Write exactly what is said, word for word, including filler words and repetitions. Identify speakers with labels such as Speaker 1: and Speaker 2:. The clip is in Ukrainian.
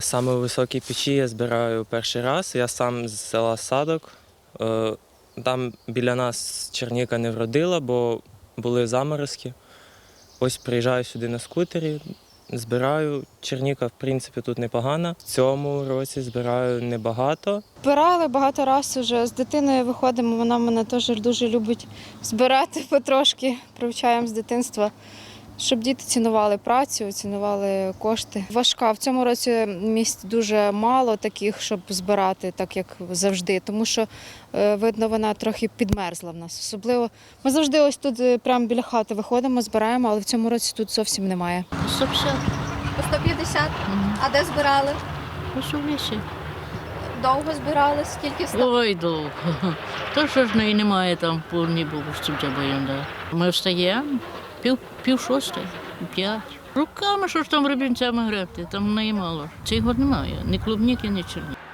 Speaker 1: Саме у високій печі я збираю перший раз. Я сам з села Садок. Е, Там біля нас черніка не вродила, бо були заморозки. Ось приїжджаю сюди на скутері, збираю. Черніка, в принципі, тут непогана. В цьому році збираю небагато.
Speaker 2: Збирали багато разів вже. З дитиною виходимо, вона мене теж дуже любить збирати потрошки, привчаємо з дитинства, щоб діти цінували працю, цінували кошти. Важка. В цьому році місць дуже мало таких, щоб збирати, так як завжди, тому що, е, видно, вона трохи підмерзла в нас. Особливо ми завжди ось тут е, прямо біля хати виходимо, збираємо, але в цьому році тут зовсім немає.
Speaker 3: сто п'ятдесят.
Speaker 4: По сто п'ятдесят?
Speaker 3: Мгм.
Speaker 4: А де збирали?
Speaker 3: Ось у лісі.
Speaker 4: Довго збирали? Скільки стало?
Speaker 3: Ой, довго. То що ж неї немає там повній бабусі, це боянда. Ми встаємо, пів, пів шостої, п'ять. Руками, що ж там рибінцями гребти, там в неї мало. Цього немає, ні клубніки, ні черні.